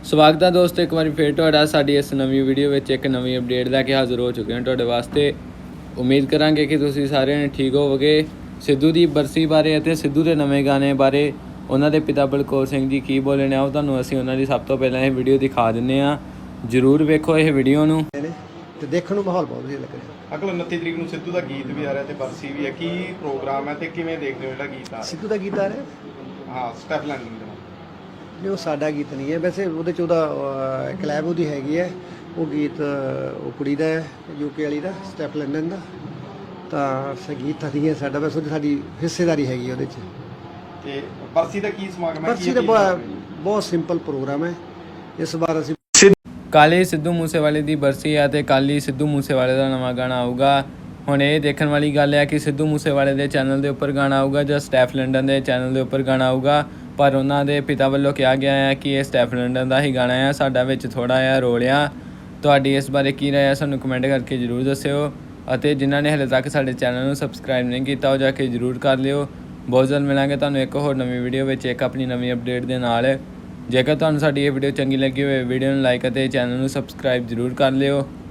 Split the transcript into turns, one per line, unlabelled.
ਸਵਾਗਤ ਹੈ ਦੋਸਤੋ, ਇੱਕ ਵਾਰੀ ਫਿਰ ਤੁਹਾਡਾ ਸਾਡੀ ਇਸ ਨਵੀਂ ਵੀਡੀਓ ਵਿੱਚ ਇੱਕ ਨਵੀਂ ਅਪਡੇਟ ਲੈ ਕੇ ਹਾਜ਼ਰ ਹੋ ਚੁੱਕੇ ਹਾਂ ਤੁਹਾਡੇ ਵਾਸਤੇ। ਉਮੀਦ ਕਰਾਂਗੇ ਕਿ ਤੁਸੀਂ ਸਾਰਿਆਂ ਨੇ ਠੀਕ ਹੋਵੋਗੇ। ਸਿੱਧੂ ਦੀ ਬਰਸੀ ਬਾਰੇ ਅਤੇ ਸਿੱਧੂ ਦੇ ਨਵੇਂ ਗਾਣੇ ਬਾਰੇ ਉਹਨਾਂ ਦੇ ਪਿਤਾ ਬਲਕੌਰ ਸਿੰਘ ਜੀ ਕੀ ਬੋਲੇ ਨੇ, ਉਹ ਤੁਹਾਨੂੰ ਅਸੀਂ ਉਹਨਾਂ ਦੀ ਸਭ ਤੋਂ ਪਹਿਲਾਂ ਇਹ ਵੀਡੀਓ ਦਿਖਾ ਦਿੰਦੇ ਹਾਂ। ਜ਼ਰੂਰ ਵੇਖੋ ਇਹ ਵੀਡੀਓ ਨੂੰ
ਤੇ ਦੇਖਣ ਨੂੰ ਮਾਹੌਲ ਬਹੁਤ ਵਧੀਆ ਲੱਗ ਰਿਹਾ।
ਅਗਲ 29 ਤਰੀਕ ਨੂੰ ਸਿੱਧੂ ਦਾ ਗੀਤ ਵੀ ਆ ਰਿਹਾ ਤੇ ਬਰਸੀ ਵੀ ਹੈ, ਕੀ ਪ੍ਰੋਗਰਾਮ ਹੈ ਤੇ ਕਿਵੇਂ ਦੇਖਦੇ ਹੋ ਜਿਹੜਾ ਗੀਤ ਆ
ਸਿੱਧੂ ਦਾ ਗੀਤ ਆ ਰਿਹਾ?
ਹਾਂ, ਸਟੈਪ ਲੈਂਡਿੰਗ ਦਾ
ਨਹੀਂ, ਉਹ ਸਾਡਾ ਗੀਤ ਨਹੀਂ ਹੈ। ਵੈਸੇ ਉਹਦੇ 'ਚ ਉਹਦਾ ਕਲੈਬ ਉਹਦੀ ਹੈਗੀ ਹੈ। ਉਹ ਗੀਤ ਉਹ ਕੁੜੀ ਦਾ ਹੈ, ਯੂਕੇ ਵਾਲੀ ਦਾ, ਸਟੈਪ ਲੰਡਨ ਦਾ। ਤਾਂ ਸੰਗੀਤ ਨਹੀਂ ਹੈ ਸਾਡਾ, ਵੈਸੇ ਉਹਦੀ ਸਾਡੀ ਹਿੱਸੇਦਾਰੀ ਹੈਗੀ ਉਹਦੇ 'ਚ।
ਤੇ ਬਰਸੀ ਦਾ ਕੀ ਸਮਾਗਮ ਹੈ?
ਬਰਸੀ ਦਾ ਬਹੁਤ ਸਿੰਪਲ ਪ੍ਰੋਗਰਾਮ ਹੈ। ਇਸ ਵਾਰ ਅਸੀਂ
ਕੱਲ੍ਹ ਹੀ ਸਿੱਧੂ ਮੂਸੇਵਾਲੇ ਦੀ ਬਰਸੀ ਹੈ ਅਤੇ ਕੱਲ੍ਹ ਹੀ ਸਿੱਧੂ ਮੂਸੇਵਾਲੇ ਦਾ ਨਵਾਂ ਗਾਣਾ ਆਊਗਾ। ਹੁਣ ਇਹ ਦੇਖਣ ਵਾਲੀ ਗੱਲ ਹੈ ਕਿ ਸਿੱਧੂ ਮੂਸੇਵਾਲੇ ਦੇ ਚੈਨਲ ਦੇ ਉੱਪਰ ਗਾਣਾ ਆਊਗਾ ਜਾਂ ਸਟੈਫ ਲੰਡਨ ਦੇ ਚੈਨਲ ਦੇ ਉੱਪਰ ਗਾਣਾ ਆਊਗਾ। ਪਰ ਉਹਨਾਂ ਦੇ ਪਿਤਾ ਵੱਲੋਂ ਕਿਹਾ ਗਿਆ ਹੈ ਕਿ ਇਹ ਸਟੈਫ ਲੰਡਨ ਦਾ ਹੀ ਗਾਣਾ ਹੈ। ਸਾਡਾ ਵਿੱਚ ਥੋੜ੍ਹਾ ਜਿਹਾ ਰੋਲ ਆ। ਤੁਹਾਡੀ ਇਸ ਬਾਰੇ ਕੀ ਰਾਏ ਹੈ ਸਾਨੂੰ ਕਮੈਂਟ ਕਰਕੇ ਜ਼ਰੂਰ ਦੱਸਿਓ। ਅਤੇ ਜਿਨ੍ਹਾਂ ਨੇ ਹਾਲੇ ਤੱਕ ਸਾਡੇ ਚੈਨਲ ਨੂੰ ਸਬਸਕ੍ਰਾਈਬ ਨਹੀਂ ਕੀਤਾ ਉਹ ਜਾ ਕੇ ਜ਼ਰੂਰ ਕਰ ਲਿਓ। ਬਹੁਤ ਜਲਦ ਮਿਲਾਂਗੇ ਤੁਹਾਨੂੰ ਇੱਕ ਹੋਰ ਨਵੀਂ ਵੀਡੀਓ ਵਿੱਚ, ਇੱਕ ਆਪਣੀ ਨਵੀਂ ਅਪਡੇਟ ਦੇ ਨਾਲ। ਜੇਕਰ ਤੁਹਾਨੂੰ ਸਾਡੀ ਇਹ ਵੀਡੀਓ ਚੰਗੀ ਲੱਗੀ ਹੋਵੇ, ਵੀਡੀਓ ਨੂੰ ਲਾਈਕ ਅਤੇ ਚੈਨਲ ਨੂੰ ਸਬਸਕ੍ਰਾਈਬ ਜ਼ਰੂਰ ਕਰ ਲਿਓ।